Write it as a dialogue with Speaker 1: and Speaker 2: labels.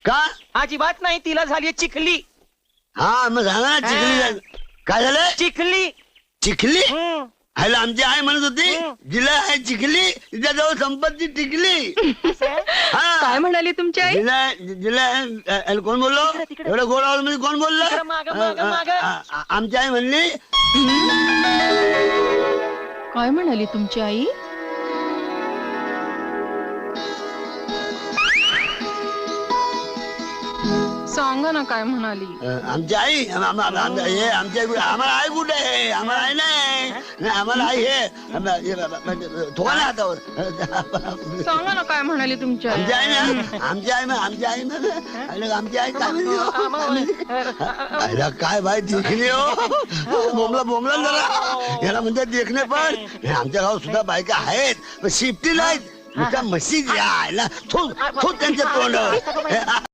Speaker 1: का?
Speaker 2: अजिबात नाही, तिला झाली चिखली.
Speaker 1: हा मग सांगा ना चिखली काय झालं?
Speaker 2: चिखली.
Speaker 1: चिखली?
Speaker 2: हम्म.
Speaker 1: ह्याला आमची आई म्हणत होती जिला आहे चिखली तिच्याजवळ संपत्ती टिकली.
Speaker 3: काय म्हणाली तुमची आई?
Speaker 1: जिला जिला कोण बोललो? एवढं गोड आवाज मध्ये कोण बोललं? आमची आई म्हणली.
Speaker 3: काय म्हणाली तुमची आई? सांगा ना काय म्हणाली?
Speaker 1: आमची आई आमच्या आम्हाला आई कुठे आहे? आम्हाला आई नाही. आम्हाला आई हे थोडा नाही हातावर.
Speaker 3: सांगा ना काय म्हणाली तुमची आई?
Speaker 1: आमची आई ना आमची आई आमची आई आमची आई काय म्हणली? काय बाई देखणे हो बोंबला जरा याला म्हणतात देखणे. पण आमच्या गावात सुद्धा बायका आहेत पण शिफ्टी नाहीत. नुसत्या म्हशी यायला थोड त्यांच्या तोंडावर.